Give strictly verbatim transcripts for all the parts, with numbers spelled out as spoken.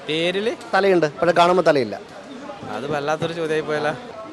പേരിൽ തലയുണ്ട് പക്ഷെ കാണുമ്പോൾ തലയില്ല. അത് വല്ലാത്തൊരു ചോദ്യമായി പോയല്ലോ.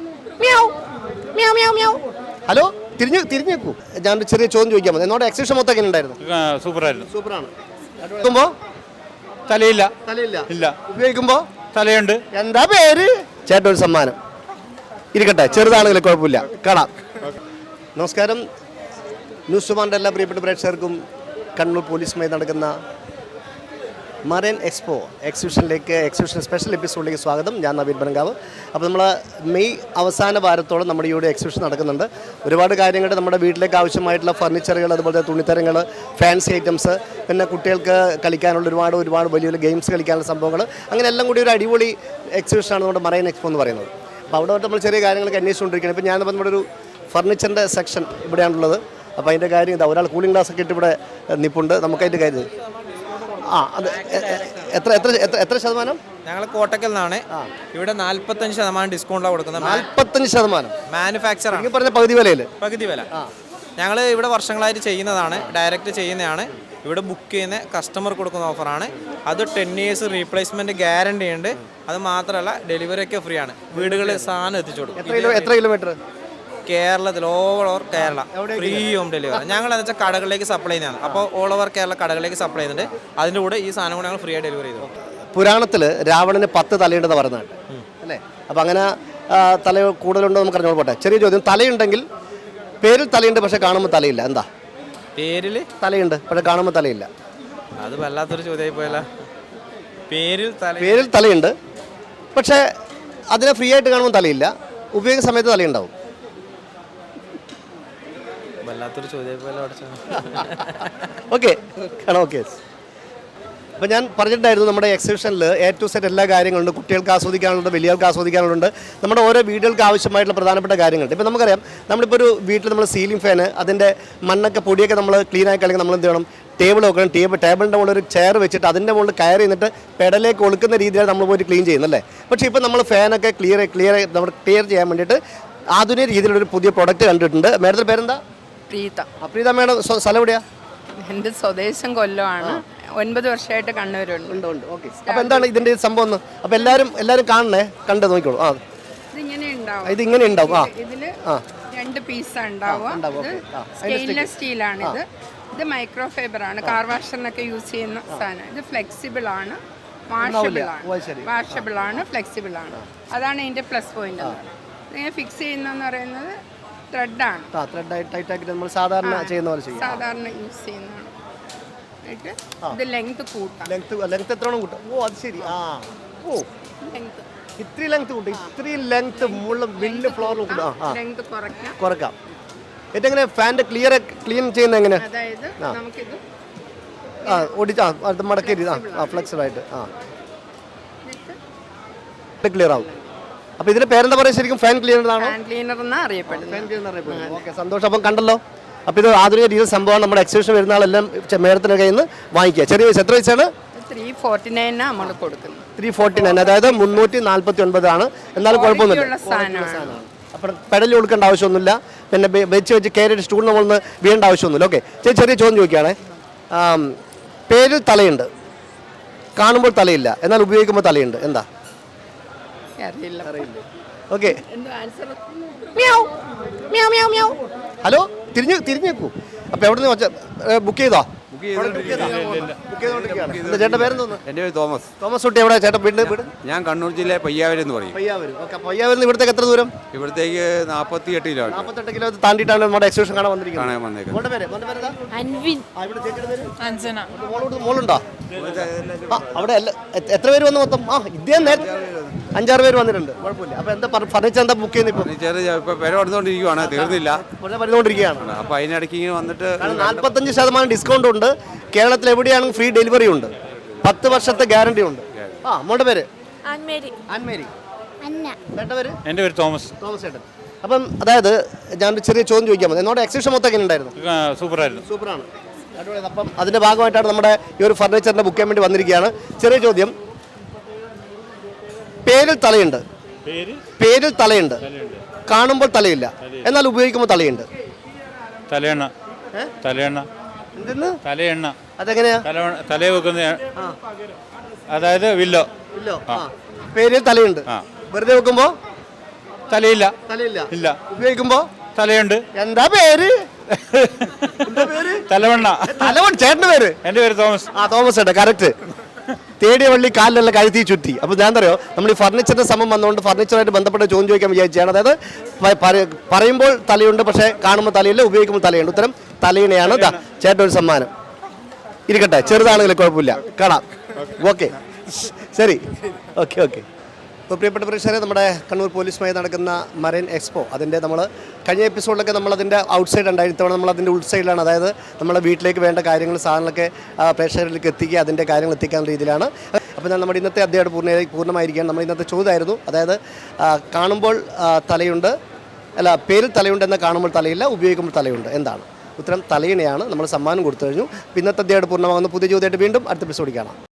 ഹലോ, തിരിഞ്ഞു തിരിഞ്ഞു വെക്കൂ. ഞാൻ ഒരു ചെറിയ ചോദ്യം ചോദിക്കാൻ മതി. എന്നോട് എക്സിബിഷൻ മൊത്തം എങ്ങനെ ഉണ്ടായിരുന്നു? സൂപ്പറായിരുന്നു. സൂപ്പറാണ്. ഉപയോഗിക്കുമ്പോൾ തലയില്ല. തലയില്ല. ഇല്ല. ഉപയോഗിക്കുമ്പോൾ തലയുണ്ട്. എന്താ പേര്? ചേട്ടൻ ഒരു സമ്മാനം ഇരിക്കട്ടെ, ചെറുതാണെങ്കിലും കുഴപ്പമില്ല, കാണാം. നമസ്കാരം. ന്യൂസ് ടുമാൻ്റെ എല്ലാ പ്രിയപ്പെട്ട പ്രേക്ഷകർക്കും കണ്ണൂർ പോലീസുമായി നടക്കുന്ന മറൈൻ എക്സ്പോ എക്സിബിഷനിലേക്ക്, എക്സിബിഷൻ സ്പെഷ്യൽ എപ്പിസോഡിലേക്ക് സ്വാഗതം. ഞാൻ നവീൻ ബനങ്കാവ്. അപ്പോൾ നമ്മൾ മെയ് അവസാന വാരത്തോളം നമ്മുടെ ഈ ഒരു എക്സിബിഷൻ നടക്കുന്നുണ്ട്. ഒരുപാട് കാര്യങ്ങൾ, നമ്മുടെ വീട്ടിലേക്ക് ആവശ്യമായിട്ടുള്ള ഫർണിച്ചറുകൾ, അതുപോലെ തുണിത്തരങ്ങൾ, ഫാൻസി ഐറ്റംസ്, പിന്നെ കുട്ടികൾക്ക് കളിക്കാനുള്ള ഒരുപാട് ഒരുപാട് വലിയ വലിയ ഗെയിംസ് കളിക്കാനുള്ള സംഭവങ്ങൾ, അങ്ങനെ എല്ലാം കൂടി ഒരു അടിപൊളി എക്സിബിഷനാണ് നമ്മുടെ മറൈൻ എക്സ്പോ എന്ന് പറയുന്നത്. അപ്പോൾ അവിടെ നമ്മൾ ചെറിയ കാര്യങ്ങളൊക്കെ അന്വേഷിച്ചുകൊണ്ടിരിക്കുകയാണ്. ഇപ്പോൾ ഞാൻ നമ്മുടെ ഒരു ഫർണിച്ചറിൻ്റെ സെക്ഷൻ ഇവിടെയാണുള്ളത്. അപ്പോൾ അതിൻ്റെ കാര്യം ഇതാ, ഒരാൾ കൂളിംഗ് ഗ്ലാസ് ഒക്കെ ഇട്ട് ഇവിടെ നിൽപ്പുണ്ട്. നമുക്കതിൻ്റെ കാര്യം ആ അത് എത്ര എത്ര എത്ര എത്ര ശതമാനം? ഞങ്ങൾ കോട്ടക്കൽ നിന്നാണ്. ഇവിടെ നാല്പത്തഞ്ച് ശതമാനം ഡിസ്കൗണ്ടാണ് കൊടുക്കുന്നത്. നാല്പത്തഞ്ച് ശതമാനം മാനുഫാക്ചർ ആണ് പറഞ്ഞ പകുതി വിലയിൽ. പകുതി വില. ഞങ്ങൾ ഇവിടെ വർഷങ്ങളായിട്ട് ചെയ്യുന്നതാണ്, ഡയറക്റ്റ് ചെയ്യുന്നതാണ്. ഇവിടെ ബുക്ക് ചെയ്യുന്ന കസ്റ്റമർ കൊടുക്കുന്ന ഓഫറാണ്. അത് ടെൻ ഇയേഴ്സ് റീപ്ലേസ്മെന്റ് ഗ്യാരണ്ടി ഉണ്ട്. അത് മാത്രമല്ല ഡെലിവറി ഒക്കെ ഫ്രീ ആണ്. വീടുകളിൽ സാധനം എത്തിച്ചു കൊടുക്കും. എത്ര കിലോമീറ്റർ? കേരളത്തിൽ all over Kerala free home delivery. ഞങ്ങൾ എന്ന് വെച്ചാൽ കടകളിലേക്ക് സപ്ലൈ ചെയ്യുന്നതാണ്. അപ്പോൾ ഓൾ ഓവർ കേരള കടകളിലേക്ക് സപ്ലൈ ചെയ്യുന്നുണ്ട്. അതിൻ്റെ കൂടെ ഈ സാധനം കൂടെ ഞങ്ങൾ ഫ്രീ ആയി ഡെലിവറി ചെയ്തു. പുരാണത്തിൽ രാവണന് പത്ത് തലയുണ്ടെന്ന് പറയുന്നത് അല്ലേ? അപ്പം അങ്ങനെ തല കൂടുതലുണ്ടോ നമുക്ക് അറിഞ്ഞോളൂ. പോട്ടെ, ചെറിയ ചോദ്യം. തലയുണ്ടെങ്കിൽ പേരിൽ തലയുണ്ട് പക്ഷെ കാണുമ്പോൾ തലയില്ല, എന്താ? പേരിൽ തലയുണ്ട് പക്ഷെ കാണുമ്പോൾ തലയില്ല. അത് വല്ലാത്തൊരു ചോദ്യമായി പോയല്ലോ. പേരിൽ തല പേരിൽ തലയുണ്ട് പക്ഷേ അതിനെ ഫ്രീ ആയിട്ട് കാണുമ്പോൾ തലയില്ല, ഉപയോഗിക്കുന്ന സമയത്ത് തലയുണ്ടാവും. വല്ലാത്തൊരു ചോദ്യമായി പോയല്ലോ. ഓക്കെ കാണാം. ഓക്കെ. അപ്പോൾ ഞാൻ പറഞ്ഞിട്ടുണ്ടായിരുന്നു, നമ്മുടെ എക്സിബിഷനിൽ എ ടു സെറ്റ് എല്ലാ കാര്യങ്ങളുണ്ട്. കുട്ടികൾക്ക് ആസ്വദിക്കാനുണ്ട്, വലിയവർക്ക് ആസ്വദിക്കാനുണ്ട്. നമ്മുടെ ഓരോ വീടുകൾക്ക് ആവശ്യമായിട്ടുള്ള പ്രധാനപ്പെട്ട കാര്യങ്ങളുണ്ട്. ഇപ്പോൾ നമുക്കറിയാം, നമ്മളിപ്പോൾ ഒരു വീട്ടിൽ നമ്മൾ സീലിംഗ് ഫാന്, അതിൻ്റെ മണ്ണൊക്കെ പൊടിയൊക്കെ നമ്മൾ ക്ലീൻ ആക്കി കളയുമ്പോൾ നമ്മൾ എന്ത് ചെയ്യണം? ടേബിൾ വെക്കണം. ടേബിൾ ടേബിളിൻ്റെ മുകളിൽ ഒരു ചെയർ വെച്ചിട്ട് അതിൻ്റെ മുകളിൽ കയറി നിന്നിട്ട് പെടലേക്ക് ഒളുക്കുന്ന രീതിയിലാണ് നമ്മൾ പോയിട്ട് ക്ലീൻ ചെയ്യുന്നല്ലേ. പക്ഷേ ഇപ്പോൾ നമ്മൾ ഫാനൊക്കെ ക്ലിയർ ക്ലിയർ നമ്മൾ ക്ലിയർ ചെയ്യാൻ വേണ്ടിയിട്ട് ആധുനിക രീതിയിലൊരു പുതിയ പ്രൊഡക്റ്റ് കണ്ടിട്ടുണ്ട്. മേഡത്തിൻ്റെ പേരെന്താ? പ്രീത. പ്രീത മേഡം സ്ഥലം എവിടെയാ? എൻ്റെ സ്വദേശം കൊല്ലമാണ്. ഒൻപത് വർഷമായിട്ട് കണ്ണൂരുണ്ട്. ഓക്കെ. അപ്പോൾ എന്താണ് ഇതിൻ്റെ സംഭവം എന്ന്? അപ്പോൾ എല്ലാവരും എല്ലാവരും കാണണേ, കണ്ട് നോക്കിക്കോളൂ. ആ, ഇതിങ്ങനെ ഉണ്ടാവും. ഇത് ഇങ്ങനെ ഉണ്ടാവും. ആ, ഇതില് രണ്ട് പീസ് ഉണ്ടാവുക. സ്റ്റെയിൻലെസ് സ്റ്റീലാണ് ഇത്. ഇത് മൈക്രോ ഫൈബർ ആണ്. കാർ വാഷറിനൊക്കെ യൂസ് ചെയ്യുന്ന സാധനം. ഇത് ഫ്ലെക്സിബിൾ ആണ്, വാഷബിൾ ആണ്. വാഷബിൾ ആണ്, ഫ്ലെക്സിബിൾ ആണ്. അതാണ് ഇതിന്റെ പ്ലസ് പോയിന്റ്. ഇതിങ്ങനെ ഫിക്സ് ചെയ്യുന്നതെന്ന് പറയുന്നത് ത്രെഡാണ്. നമ്മൾ സാധാരണ ചെയ്യുന്ന പോലെ ചെയ്യും. സാധാരണ യൂസ് ചെയ്യുന്നതാണ്. ഇത് ലെങ്ത് കൂട്ടാം. ലെങ്ത് ലെങ്ത് എത്രയാണ് കൂട്ടാം? ഓ, അത് ശരി. ആ, ഓ, ലെങ്ത് ഇത്രയും ലെങ്ത് കൂട്ടും. ഇത്രയും ലെങ്ത് മുള്ള വലിയ ഫ്ലോറിൽ കൂട്ടാം. ലെങ്ത് കുറയ്ക്കാം, കുറക്കാം. ഇതെങ്ങനെ ഫാൻ്റെ ക്ലിയർ ക്ലീൻ ചെയ്യുന്നത് എങ്ങനെ? അതായത് നമുക്കിത് ആ ഓടിച്ചാ അത് മടക്കി ആ ഫ്ലെക്സിബിൾ ആയിട്ട് ആ ക്ലിയർ ആവും. അപ്പോൾ ഇതിന്റെ പേരെന്താ പറയുക ശരിക്കും? ഫാൻ ക്ലീനർ ആണോ? ഫാൻ ക്ലീനർ എന്ന് അറിയപ്പെടുന്നത്. ഫാൻ ക്ലീനർ അറിയപ്പെടുന്നത്. ഓക്കെ, സന്തോഷം. അപ്പം കണ്ടല്ലോ. അപ്പോൾ ഇത് ആധുനിക രീതിയിൽ സംഭവമാണ്. നമ്മുടെ എക്സിബിഷൻ വരുന്ന ആളെല്ലാം മേഡത്തിൻ്റെ കയ്യിൽ നിന്ന് വാങ്ങിക്കുക. ചെറിയ പൈസ എത്ര പൈസയാണ്? ത്രീ ഫോർട്ടി നയൻ നമ്മൾ കൊടുക്കുന്നത്. ത്രീ ഫോർട്ടി നയൻ അതായത് മുന്നൂറ്റി നാൽപ്പത്തി ഒൻപതാണ്. എന്നാലും കുഴപ്പമൊന്നുമില്ല. അപ്പം പെടലി കൊടുക്കേണ്ട ആവശ്യമൊന്നുമില്ല. പിന്നെ വെച്ച് വെച്ച് കയറിയിട്ട് സ്റ്റൂളിന് മുകളിൽ വീഴേണ്ട ആവശ്യമൊന്നുമില്ല. ഓക്കെ, ചെറിയ ചോദ്യം ചോദിക്കുകയാണേ. പേരിൽ തലയുണ്ട്, കാണുമ്പോൾ തലയില്ല, എന്നാൽ ഉപയോഗിക്കുമ്പോൾ തലയുണ്ട്, എന്താ? ഓക്കെ. ഹലോ, തിരിഞ്ഞു തിരിഞ്ഞു വെക്കൂ. അപ്പോൾ എവിടെ നിന്ന് ബുക്ക് ചെയ്തോ? ചേട്ടൻ്റെ പേരെന്തോന്നു? എൻ്റെ പേര് തോമസ്. തോമസ് കുട്ടി എവിടെ ചേട്ടൻ വീട്? വീട് ഞാൻ കണ്ണൂർ ജില്ലയിലെ പയ്യാവൂർ എന്ന് പറയും. പയ്യാവൂർ. ഓക്കെ. പയ്യാവൂരിൽ ഇവിടത്തേക്ക് എത്ര ദൂരം? ഇവിടത്തേക്ക് നാൽപ്പത്തി എട്ട് കിലോ നാൽപ്പത്തെട്ട് കിലോ താണ്ടിയിട്ടാണ് നമ്മുടെ എക്സിബിഷൻ കാണാൻ വന്നിരിക്കുന്നത്. കാണാൻ വന്നേക്കുന്നത്. മോളുണ്ടോ? അവിടെ എത്ര പേര് വന്നു മൊത്തം? ആ, ഇദ്ദേഹം അഞ്ചാറ് പേര് വന്നിട്ടുണ്ട്. കുഴപ്പമില്ല. അപ്പോൾ എന്താ ഫർണിച്ചർ എന്താ ബുക്ക് ചെയ്യുന്നത്? ഇപ്പോൾ ഫർണിച്ചർ ഇപ്പോൾ വില കൊടുത്തുകൊണ്ടിരിക്കുകയാണ്, തീർന്നില്ല. വരുന്നോണ്ടിരിക്കുകയാണ്. അപ്പോൾ അതിനിടയ്ക്ക് ഇങ്ങനെ വന്നിട്ട് നാൽപ്പത്തഞ്ച് ശതമാനം ഡിസ്കൗണ്ട് ഉണ്ട്. കേരളത്തിൽ എവിടെയാണെങ്കിൽ ഫ്രീ ഡെലിവറി ഉണ്ട്. പത്ത് വർഷത്തെ ഗ്യാരണ്ടി ഉണ്ട്. ആ, മോളുടെ പേര്? ആൻമേരി. എൻ്റെ പേര് തോമസ്. തോമസ് ചേട്ടൻ. അപ്പം അതായത് ഞാനൊരു ചെറിയ ചോദ്യം ചോദിക്കാൻ മതി. എന്നോട് എക്സിബിഷൻ മൊത്തം എങ്ങനെ ഉണ്ടായിരുന്നു? സൂപ്പറായിരുന്നു. സൂപ്പറാണ്. അപ്പം അതിൻ്റെ ഭാഗമായിട്ടാണ് നമ്മുടെ ഈ ഒരു ഫർണിച്ചറിൻ്റെ ബുക്ക് ചെയ്യാൻ വേണ്ടി വന്നിരിക്കുകയാണ്. ചെറിയ ചോദ്യം. പേരിൽ തലയുണ്ട്, പേരിൽ തലയുണ്ട്, കാണുമ്പോൾ തലയില്ല, എന്നാൽ ഉപയോഗിക്കുമ്പോൾ തലയുണ്ട്. തലയെണ്ണ. തലയെണ്ണ. എന്തെന്ന്? തലയെണ്ണ. അതെങ്ങനെയാ? തല തലയെ വെക്കുന്ന, അതായത് വില്ലോ. ഇല്ലോ ആ പേര് തലയുണ്ട് ആ. വെറുതെ വെക്കുമ്പോ തലയില്ല. തലയില്ല ഇല്ല. ഉപയോഗിക്കുമ്പോ തലയുണ്ട്. എന്താ പേര് എന്താ പേര് തലവണ്ണ. തലവൺ ചേട്ടന്റെ പേര് എൻ്റെ പേര് തോമസ്. ആ തോമസ് ഏട്ടാ കറക്റ്റ്. തേടിയ വള്ളി കാലിലുള്ള കഴുത്തി ചുറ്റി. അപ്പോൾ ഞാൻ അറിയോ നമ്മൾ ഈ ഫർണിച്ചറിന്റെ സമയം വന്നുകൊണ്ട് ഫർണിച്ചറായിട്ട് ബന്ധപ്പെട്ട ചോദ്യം ചോദിക്കാൻ വിചാരിച്ചാണ്. അതായത് പ- പര- പറയുമ്പോൾ തലയുണ്ട് പക്ഷേ കാണുമ്പോൾ തലയില്ല, ഉപയോഗിക്കുമ്പോൾ തലയുണ്ട്. ഉത്തരം തലയിണയാണ്. ദാ ചേട്ടൻ ഒരു സമ്മാനം ഇരിക്കട്ടെ, ചെറുതാണെങ്കിലും കുഴപ്പമില്ല, കാണാം. ഓക്കെ ശരി, ഓക്കെ ഓക്കെ. ഇപ്പോൾ പ്രിയപ്പെട്ട പ്രേക്ഷകരെ, നമ്മുടെ കണ്ണൂർ പോലീസുമായി നടക്കുന്ന മറൈൻ എക്സ്പോ അതിൻ്റെ നമ്മൾ കഴിഞ്ഞ എപ്പിസോഡിലൊക്കെ നമ്മളതിൻ്റെ ഔട്ട് സൈഡ് ഉണ്ടായിരുന്നു. ഇത്തവണ നമ്മളതിൻ്റെ ഉൾസൈഡിലാണ്. അതായത് നമ്മളെ വീട്ടിലേക്ക് വേണ്ട കാര്യങ്ങൾ സാധനങ്ങളൊക്കെ ആ, പ്രേക്ഷകരിലേക്ക് എത്തിക്കുക, അതിൻ്റെ കാര്യങ്ങൾ എത്തിക്കാൻ രീതിയിലാണ്. അപ്പോൾ ഞാൻ നമ്മുടെ ഇന്നത്തെ അധ്യായം പൂർണ്ണ പൂർണ്ണമായിരിക്കുകയാണ്. നമ്മൾ ഇന്നത്തെ ചോദ്യമായിരുന്നു, അതായത് ആ, കാണുമ്പോൾ ആ, തലയുണ്ട് അല്ല പേരിൽ തലയുണ്ടെന്ന് കാണുമ്പോൾ തലയില്ല, ഉപയോഗിക്കുമ്പോൾ തലയുണ്ട്. എന്താണ് ഉത്തരം? തലയിണയാണ്. നമ്മൾ സമ്മാനം കൊടുത്തു കഴിഞ്ഞു. ഇന്നത്തെ അധ്യായം പൂർണ്ണമാകുന്ന പുതിയ ചോദ്യമായിട്ട് വീണ്ടും അടുത്ത എപ്പിസോഡിൽ കാണാം.